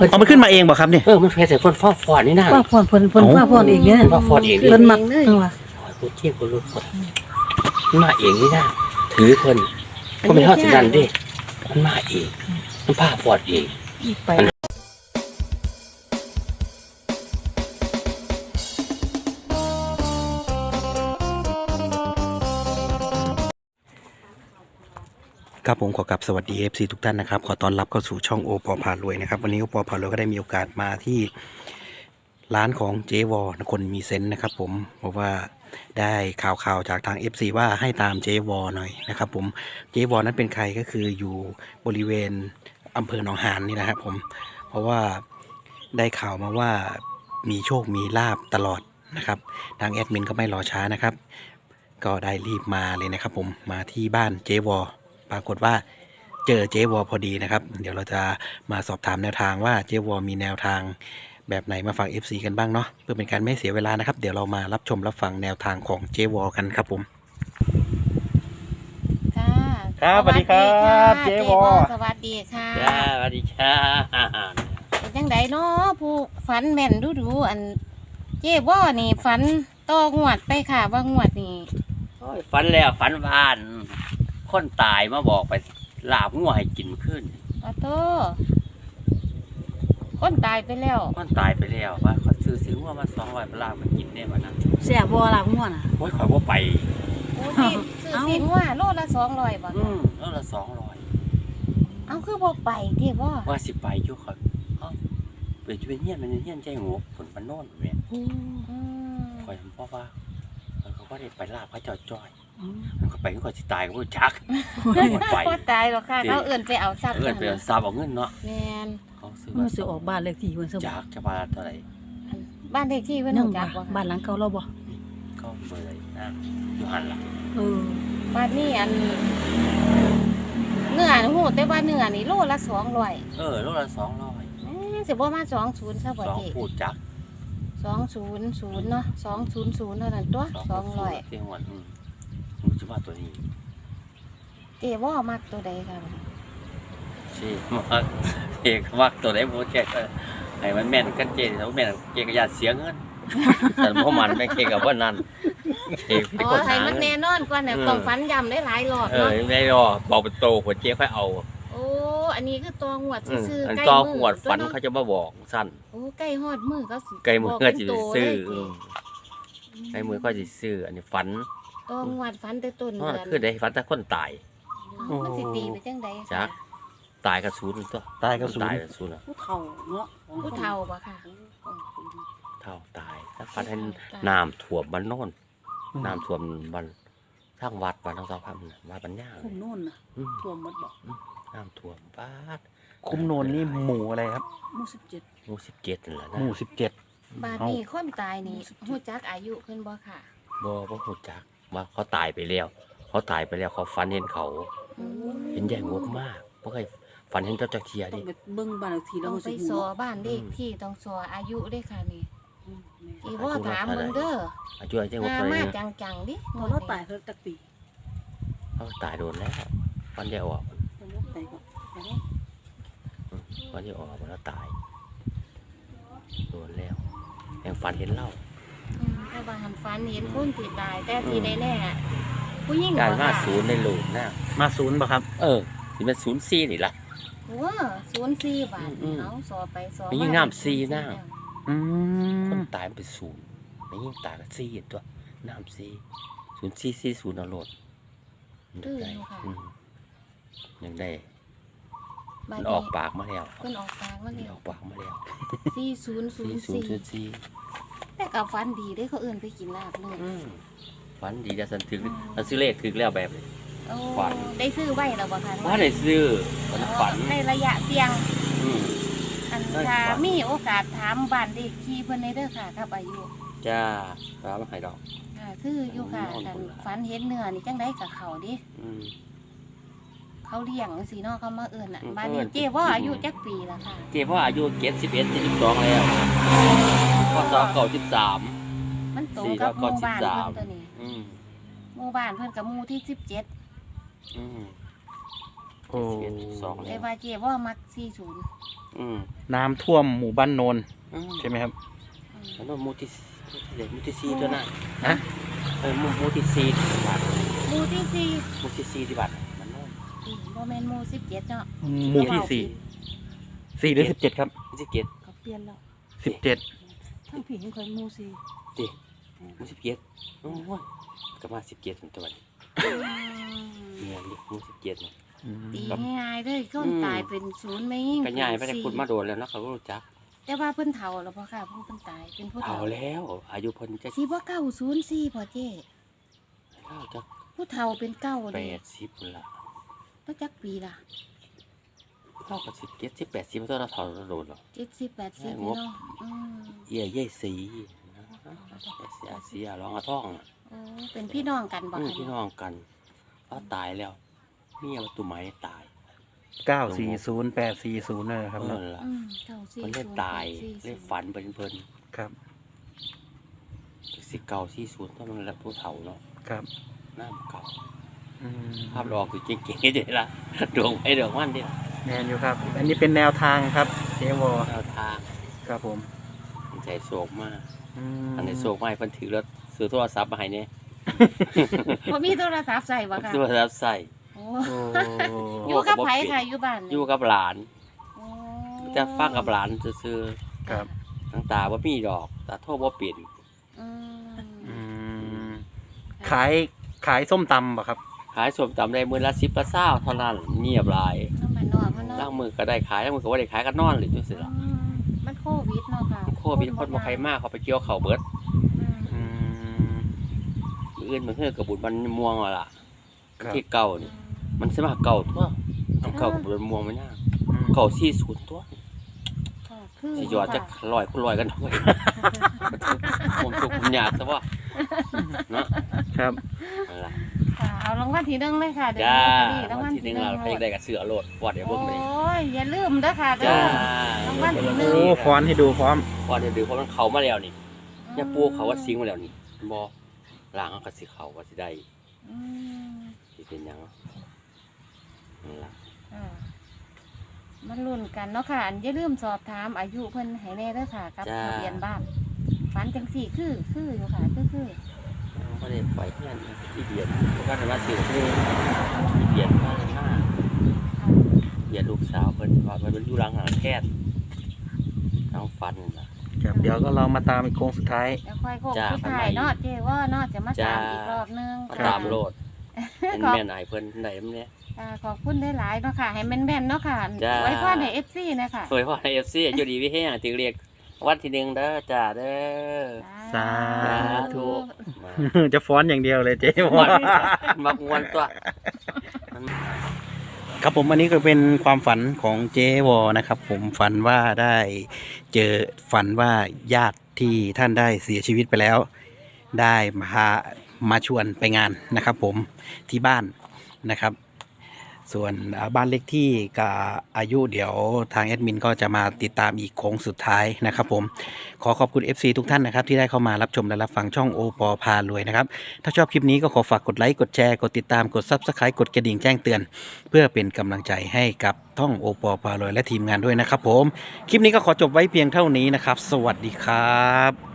เอามันขึ้นมาเองบ่ครับเนี่ยมันเพชรแต่เพิ่นฟอดนี่นะว่าพรเพิ่นว่าพรเองเนี่ยว่าฟอดเองเพิ่นมักจังว่าพูดเที่ยงคนรู้คนมันมาเองนี่นะถือเพิ่นก็ไม่เท่าสิดันดิมันมาเองมันพาฟอดเองไปครับผมขอกลับสวัสดี FC ทุกท่านนะครับขอต้อนรับเข้าสู่ช่องโอปอพารวยนะครับวันนี้โอปอพารวยก็ได้มีโอกาสมาที่ร้านของเจวอคนมีเซนต์นะครับผมเพราะว่าได้ข่าวจากทาง FC ว่าให้ตามเจวอหน่อยนะครับผมเจวอนั้นเป็นใครก็คืออยู่บริเวณอำเภอหนองหานนี่นะครับผมเพราะว่าได้ข่าวมาว่ามีโชคมีลาบตลอดนะครับทางแอดมินก็ไม่รอช้านะครับก็ได้รีบมาเลยนะครับผมมาที่บ้านเจวอปรากฏว่าเจอเจวอพอดีนะครับเดี๋ยวเราจะมาสอบถามแนวทางว่าเจวอมีแนวทางแบบไหนมาฝาก FC กันบ้างเนาะเพื่อเป็นการไม่เสียเวลานะครับเดี๋ยวเรามารับชมรับฟังแนวทางของเจวอกันครับผมค่ะครับสวัสดีครับเจวอสวัสดีค่ะจ้าสวัสดีค่ะเป็นจังไดเนาะผู้ฝันแม่นดูอันเจ๊ว่านี่ฝันต่องวดไปค่ะว่างวดนี่ฝันแล้วฝันวานคนตายมาบอกไปลาบงัวให้กินขึ้นโอ้โตคนตายไปแล้วคนตายไปแล้วว่าเขาซื้องัวมา200ไปลาบมากินได้มานะแซ่บบ่ล่ะม่วนน่ะโอ้ยข่อยว่าไปโอ้สิซื้อสินว่าโลละ200บ่แล้วละเอาคือบ่ไปเจ๊ว่า 200ว่าสิไปอยู่ข่อยเปิดจะเป็นเฮี้ยนมันเฮี้ยนใจหัวผลมันโน่นแม่ข่อยเพราะว่าเขาก็ได้ไปลาบพระเจ้าจ้อยเขาไปก็สิตายก็บ่จักไปบ่ตายหรอกค่ะเขาเอิ้นไปเอาทรัพย์เอิ้นไปทราบเอาเงินเนาะแม่นเขาซื้อมันสิออกบ้านเลขที่เพิ่นซะบ่จากจะมาเท่าไหร่บ้านเลขที่เพิ่นยังรู้จักบ่บ้านหลังเก่าเราบ่ก็เบอร์นะอยู่หันล่ะบ้านนี้อันเนื้อฮู้แต่ว่าเนื้อนี่โลละ200 โลละ200 สิบ่มา20ซะบ่เจ๊พูดจัก 200เนาะ200เท่านั้นตัว200 เที่ยงวันจะว่าตัวนี้เจ๊ว่ามักตัวใดค่ะสิมักเอกมักตัวไหนบ่แก่ก็ให้มันแม่นกันเจแล้วแม่นเจก็อย่าเสียเงินแต่บ่มันไม่เก่กับว่านั้นเอกพี่คนให้มันแน่นอนกว่าเนี่ยต้องฝันย้ำได้หลายรอบเนาะไม่รอบอกเป็นโตหัวเจ๊ค่อยเอาโอ้อันนี้คือตัวหวดซื่ออันใกล้ต่อมืหวดฝันเขาจะมาบอกสั้นโอ้ใกล้ฮอดมือก็สิไกลมือก็สิซื้อเไกลมือก็สิซื้ออันนี้ฝันตัวหวดฝันแต่ต้นเดือนคือได้ฝันแต่คนตายมันสิตีไปจังใดจัก ตายกับศูนย์ตัวตายกับศูนย์ตายกับศูนย์ผู้เฒ่าเนาะผู้เฒ่าบ่ค่ะเท่าตายถ้าฝันให้น้ำท่วมบ้านโน่นน้ำท่วมบ้านทางวัดบ้านทางสาวพันวัดบ้านย่างคุมโน่นน่ะท่วมหมดบ่น้ำท่วมบ้านคุ้มโนนนี่หมู่อะไรครับหมู่17 หมู่17นั่นแหละหนะมู่17 บาดนี้คนตายนี่ฮู้จักอายุเพิ่นบ่ค่ะบ่ฮู้จักว่าเขาตายไปแล้วเขาตายไปแล้วเขาฝันเห็นเขาเห็นใหญ่งบมากบ่เคยฝันเห็นเจ้าจักเทียต้อดิงไปเบิ่งบ้านเลขที่แล้ต้วองมันไปสิสฮู้อบ้านเลขที่ต้องสออายุด้วยค่ะนี่อีว่าถามมึงเด้ออายุอายุงบมาเท่าไหร่มาเนี่ยจังๆดิพอเราตายเพิ่นตักปีเขาตายโดนแล้วฝันเดียวออกเพิ่นตายก็แล้วฝันเดียวออกแล้วตายโดนแล้วแห่งฝันเห็นเล่าถ้าบางหันฝันเห็นคนที่ตายแต่ที่แน่ๆผู้หญิงการบ่มาค่ะศูนย์ในโลกนะมาศูนย์ป่ะครับที่เป็น04นี่ล่ะว้า04 บาท เอาสอไปสอมียิ่งน้ำ4นะอืมคนตายมันเป็นศูนย์ไม่ยิ่งตายก็4อีกตัวน้ำ0440เอาโลดยังได้มันออกปากมาแล้วเพิ่นออกปากมามันแล้วออกปากมาแล้ว 4004 4004 แต่ก็ฝันดีได้เขาเอิ้นไปกินลาบเลยฝันดีจะสันถึงสันซื้อเลขถึงแล้วแบบนี้โอ้ฝันได้ซื้อไว้แล้วบ่คะว่าได้ซื้อฝันในระยะเสี่ยงอืมอันได้ถ้าฝันมีโอกาสถามบ้านเลขที่เพิ่นได้เด้อค่ะกับอายุจ้ารับมาให้ดอกค่ะคืออยู่ค่ะนอนกันพุ่นล่ะฝันเห็นเนื้อนี่จังได๋กับเขาดิอืมเขาเลี้ยงจังซี่เนาะเขามาเอิ้นน่ะอืมบ้านนี้เอิ้นเจ๊ว่าอายุจักปีละค่ะเจ๊พ่ออายุ71 72แล้วพ่อสอบ93 มันตรงกับหมู่บ้านเพิ่นตัวนี้อืมหมู่บ้านเพิ่นกับหมู่ที่17 อืมพโอ้ 41 แต่ 42 ว่าเจ๊ว่ามัก40 อืมน้ำท่วมหมู่บ้านโนนอืมใช่ไหมครับแล้วก็หมู่ที่4ตัวนั้นฮะหมู่ที่4ที่บัตรหมู่ที่สี่หมู่ที่4ที่บัตรมันโน่นบ่แม่นหมู่17เนาะหมู่ที่4หรือ17ครับ 17 ก็เปลี่ยนแล้ว 17 ทั้งผียังเคยมูซีติหมู่17โอ้ยก็มา17ถึงตัวนี้เมียนดิหมู่17เนี่ยตีง่ายๆเลยคนตายเป็นศูนย์ไม่ยิ่งก็ย้ายไปได้พูดมาโดนแล้วเนาะเขาก็รู้จักแต่ว่าเพิ่นเฒ่าแล้วบ่ค่ะผู้เพิ่นตายเป็นผู้เอาเฒ่าแล้ว อายุเพิ่นจะสิบ่904พ่อเจ้เท่าจะผู้เฒ่าเป็นเก้าเลย 80พุ่นละตั้งจักปีล่ะเท่ากับ17 18 10เท่าเราเท่าเราโดนหรอ 70 80 งบเนาะอืมเอี่ยเย่สีเสียร้องอาท่องน่ะโอ้เป็นพี่น้องกันบ่คะพี่น้องกันเขาตายแล้วเมียประตูไม้ตาย 940 840นั่นแหละครับเอเนาะอล่ะ 940 มันเล่นตาย 840 เล่นฝันเป็นเพิ่นครับ 1940ถ้ามันละผู้เฒ่าเนาะครับน้ำเก่าอืมภาพหลอกคือเก่งๆเด้ล่ะดวงไอ้ดวงมันเด้ล่ะแมนอยู่ครับ อันนี้เป็นแนวทางครับเจวอแนวทางครับผมใจโศกมากอืมอันนี้โศกมากเพิ่นถือแล้วซื้อโทรศัพท์มาให้เนี่ยบ่มีโทรศัพท์ใส่บ่ค่ะโทรศัพท์ใส่โอ้โอ้อยู่กับไผค่ะอยู่บ้านนี่อยู่กับหลานโอ้จะฟังกับหลานซื้อครับๆทางตาบ่มีดอกตาโทรบ่เป็นอืมอืมขายส้มตำป่ะครับขายส้มตำได้มื้อละ10ละ20เท่านั้นเงียบหลายน้ำมันนอกมันล่าเนาะงมือก็ได้ขายล่างมือก็บ่ได้ขายก็นอนเลยจังซี่ล่ะอืมมันโควิดเนาะค่ะโควิดคนบ่ใครมาเขาไปเกี่ยวข้าวเบิดอืมอืมมื้ออื่นมันคือกับบุญมันม่วงว่าล่ะครับที่เก่านี่มันสิมาเก่าทั่วเอาเก่ากับบุญม่วงมันยากเก่า40ตัวค่ะคือสิยอดจะ100คูณ100กันด้วย ผมทุกข์ผมยากซะว่าเนาะครับนั่นล่ะค่ะเอารางวัลที่หนึ่งเลยค่ะเดี๋ยวจ้าลอตเตอรี่รางวัวัลนที่ที่ห 1 นึ่งเราไปได้กับเสือโลดฟอดเดี๋ยวโอ้เบิ่งไปเลยยอย่าลืมเด้อค่ะเด้จ้าอ รางวัลที่หนึ่งโอ้ฟอนต์ให้ดูพร้อมฟอดเดี๋ยวดูเพราะมันเข้ามาแล้วนี่อย่าปูเขาว่าซิงมาแล้วนี่บ่ล้างเอาก็สิเข้าก็สิได้อืมสิเป็นหยังนั่นล่ะอ่ามันลุ้นกันเนาะค่ะอันอย่าลืมสอบถามอายุเพิ่นให้แน่เด้อค่ะ กับทะเบียนบ้านฝันจังสี่คืออยู่ค่ะคือบ่ได้ไปเพื่อนที่เบียดเพราะว่าสิที่เบียดมาเบียดลูกสาวเพิ่นว่ามันอยู่หลังหาแพทย์เอาฟันน่ะครับ เดี๋ยวก็เรามาตามอีกโค้งสุดท้ายแล้วค่อยโค้งจ้าสุดท้ายเนาะเจว่าเนาะจะมาจ้าตามอีกรอบนึงมาค่ะตามโลดเป็นแม่นายเพิ่นได้มื้อนี้ขอบคุณหลายๆเนาะค่ะ ให้แม่นๆเนาะค่ะจ้าไว้พรให้ FC นะคะสวยพอใน FC อยู่ดีวิเฮงติเรียกวันที่1เด้อจ้าเด้อสาธุ มาจะฟ้อนอย่างเดียวเลยเจวม่อวนมักม่วนตัวครับผมอันนี้ก็เป็นความฝันของเจวอนะครับ ผมฝันว่าได้ฝันว่าญาติที่ท่านได้เสียชีวิตไปแล้ว ได้มาชวนไปงานนะครับ ผมที่บ้านนะครับ ส่วนบ้านเลขที่กับอายุเดี๋ยวทางแอดมินก็จะมาติดตามอีกโค้งสุดท้ายนะครับ ผมขอขอบคุณ FC ทุกท่านนะครับที่ได้เข้ามารับชมและรับฟังช่องโอปอพารวยนะครับถ้าชอบคลิปนี้ก็ขอฝากกดไลค์กดแชร์กดติดตามกด Subscribe กดกระดิ่งแจ้งเตือน เพื่อเป็นกำลังใจให้กับท่องโอปอพารวยและทีมงานด้วยนะครับ ผมคลิปนี้ก็ขอจบไว้เพียงเท่านี้นะครับ สวัสดีครับ